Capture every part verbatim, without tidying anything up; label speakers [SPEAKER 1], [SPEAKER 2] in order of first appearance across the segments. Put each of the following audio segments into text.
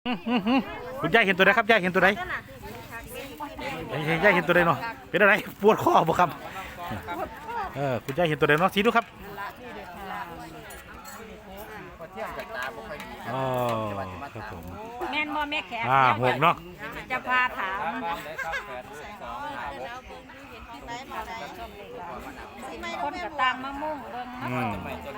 [SPEAKER 1] คุณยายเห็นตัวใดครับยายเห็นตัวใดยายเห็นตัวใดเนาะเป็นอะไรปวดคอบ่ครับเออคุณยายเห็นตัวใดเนาะสีดูครับอ๋อครับผม
[SPEAKER 2] แม่นบ่แม่แขก
[SPEAKER 1] อ่าหกเนาะ
[SPEAKER 2] จะพาถามคนกระตังมะม่วงเบิ่งมะม่วง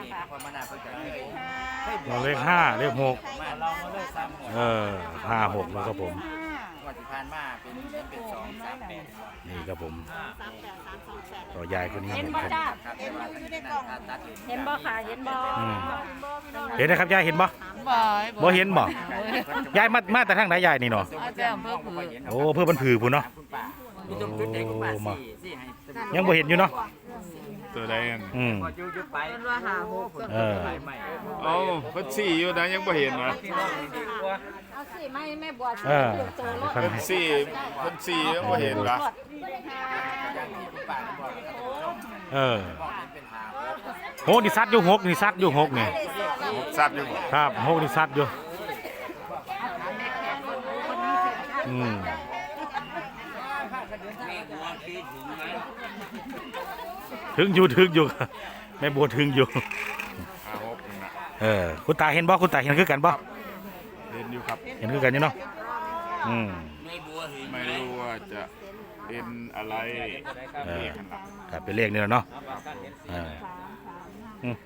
[SPEAKER 1] เราเลขห้าเลขหกเออห้าหกแล้วครับผม
[SPEAKER 3] วันที่ผ่านมาเป็นเป็นสองสามแปด
[SPEAKER 1] นี่ครับผมต่อยายคนนี้
[SPEAKER 2] เห็น
[SPEAKER 1] เห็น
[SPEAKER 2] บ่
[SPEAKER 1] ครับ
[SPEAKER 2] จ้าเห็นบ่ค่ะเห็นบ่
[SPEAKER 1] เห็นนะครับยายเห็นบ่บ่เห็นบ่ยายมามาแต่ทางไหนยายนี่เนาะโอ้เพื่อมันผือพุ่นเนาะโอ้มายังบ่เห็นอยู่เนาะ
[SPEAKER 4] ตัวใดกัน
[SPEAKER 1] อืมเออ
[SPEAKER 4] เอ้าเพิ่นสี่อยู่นะยังบ่เห็นนะ
[SPEAKER 2] เอาสิไม่แม่บัวสิ
[SPEAKER 1] เออ
[SPEAKER 4] เพิ่นสี่เพิ่นสี่ยังบ่เห็นละ
[SPEAKER 1] เออโหนี่ซัดอยู่หกนี่ซัดอยู่หกนี่
[SPEAKER 4] ซับอยู่บ่
[SPEAKER 1] ครับหกนี่ซัดอยู่อืมถึงอยู่ถึงอยู่แม่บัวถึงอยู่เออคุณตาเห็นบ่คุณตาเห็นคือกันบ่
[SPEAKER 4] เห็นอยู่ครับ
[SPEAKER 1] เห็นคือกันอยู่เนาะอืม
[SPEAKER 4] ไม่รู้ว่าจะเป็นอะไร
[SPEAKER 1] เออครับเป็นเลขนี่แหละเนาะเอออืม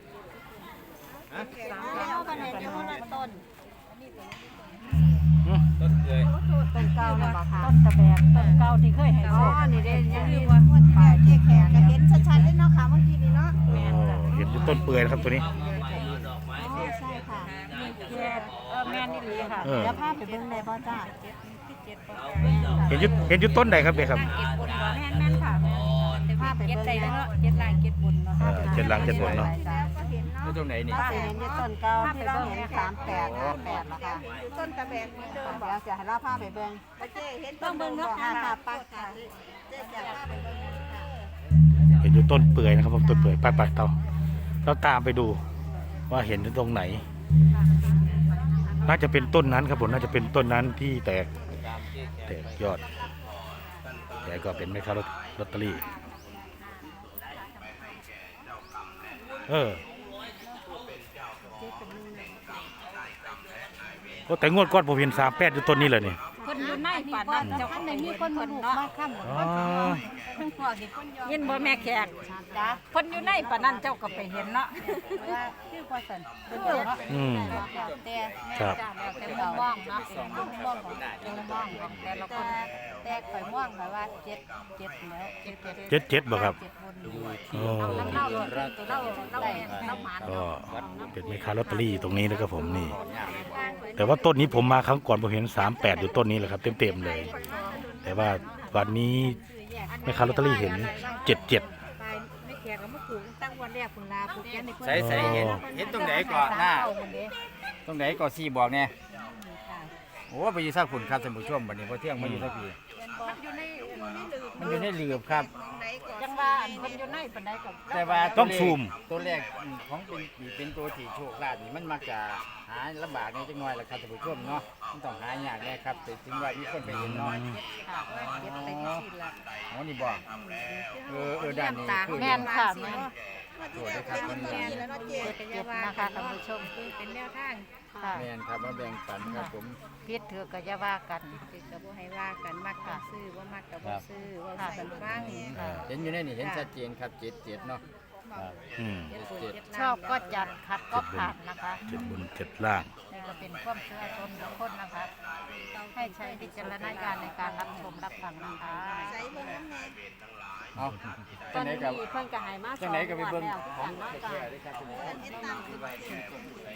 [SPEAKER 2] ต้นเกยต้นเก่าน่ะบ่ค่ะต้นตะแบกต้นเก่าที่เคยให้อ๋อนี่เด้ยังลืมว่าปลายที่แขกก็เห็นชัดๆเลยเนาะค่ะเมื่อกี้นี่เนาะแม่นจ้ะ
[SPEAKER 1] เห็นอยู่ต้นเปื่อยนะครับตัวนี้
[SPEAKER 2] อ๋อใช่ค่ะเจ็ดเออแม่นนี่ดีค่ะเดี๋ยวพาไปเบิ่งได้บ่จ้า
[SPEAKER 1] เห็นอยู่เห็นอยู่ต้นใดครับเด็กครับ
[SPEAKER 2] แม่นแม่นค่ะจะพาไปเบิ่งได้เนาะเจ็ดลายเจ็ดบุญเนาะ
[SPEAKER 1] เจ็ดลังเจ็ดบนเนาะ
[SPEAKER 3] แล้วตรงไหนนี่
[SPEAKER 2] ป้าเห็นอยู่ต้นเก่าที่เราเห็นสามแปดห้าแปดนะคะต้นตะแบกเหมือนเดิมบอกเดี๋ยวจะให้เราพาไปเบิ่งเจ๊เห็นต้องเบิ่งเนาะค่ะป้าค่ะเจ๊จะพาไปเบิ่ง
[SPEAKER 1] เห็นอยู่ต้นเปื่อยนะครับผมต้นเปื่อยไปไปต่อเราตามไปดูว่าเห็นอยู่ตรงไหนน่าจะเป็นต้นนั้นครับผมน่าจะเป็นต้นนั้นที่แตกแตกยอดแต่ก็เป็นแม่ค้าลอตเตอรี่เออก็แต่งวดก้อนผมเห็นสามแปดอยู่ต้นนี้เลยนี่
[SPEAKER 2] คนอยู่ในป่านนั้นเจ้าในมีคนมาลูกมาค่ำอ๋อยินบ่แม่แขกจ้ะคนอยู่ในป่านนั้นเจ้าก็ไปเห็นเนาะว่าคือว่าซั่น
[SPEAKER 1] อืม
[SPEAKER 2] แต่ครับแต่มุมมองเนาะมุมมองของมุมมองของแต่ละคนแต่ข่อยมองแบบว่าเจ็ดเจ็ดแล้วเจ็ด
[SPEAKER 1] เจ็ดเจ็ดบ่ครับโอ้ก็เป็นแม่ค้าลอตเตอรี่ตรงนี้นะครับผมนี่แต่ว่าต้นนี้ผมมาครั้งก่อนผมเห็นสามแปดอยู่ต้นนี้แหละครับเต็มๆเลยแต่ว่าวันนี้แม่ค้าลอตเตอรี่เห็นเจ็ดเจ็ด
[SPEAKER 3] ใส่ใส่เห็นเห็นตรงไหนก่อนหน้าตรงไหนก่อนสี่บอกเนี่ยโอ้ไปยืนซักฝุ่นครับสมุทรช่วงวันนี้พอเที่ยงมาอยู่สักทีมันอยู่ในหลืบครับ
[SPEAKER 2] ยังว่ามันอยู่ในปานใดก็
[SPEAKER 3] แต่ว่า
[SPEAKER 1] ต้องซูม
[SPEAKER 3] ตัวแรกของเป็นเป็นตัวที่โชคลาภนี่มันมักจะหาลำบากในจังหน่อยแหละครับสมุทรช่วงเนาะมันต้องหายากแน่ครับแต่ถึงว่ามีคนไปเห็นน้อยอ๋อนี่บอกเออเออด้านนี้
[SPEAKER 2] แม่นค่ะแม่น
[SPEAKER 3] ตัวได้ครับคนนี้
[SPEAKER 2] เจ็บนะคะท่านผู้ชมเป็นแนวทาง
[SPEAKER 3] แม่นครับมาแบ่งปันครับผม
[SPEAKER 2] พิษเถือก็จะว่ากันพิษก็บ่ให้ว่ากันมักก็ซื้อว่ามักก็บ่ซื้อว่ากันฟัง
[SPEAKER 3] เห็นอยู่ในนี่เห็นชัดเจนครับเจ็ดเจ็ดเนาะ
[SPEAKER 2] ชอบก็จัดขัดก็ผ่านนะคะ
[SPEAKER 1] เจ็ดบนเจ็ดล่าง
[SPEAKER 2] นี่ก็เป็นความเชื่อชนทุกคนนะคะให้ใช้วิจารณญาณในการรับชมรับฟังนะคะ
[SPEAKER 3] เอา
[SPEAKER 2] ตอนนี้เพิ่นก็ให้มาสองงวดแล้ว
[SPEAKER 3] ของแก่ด้วยครับ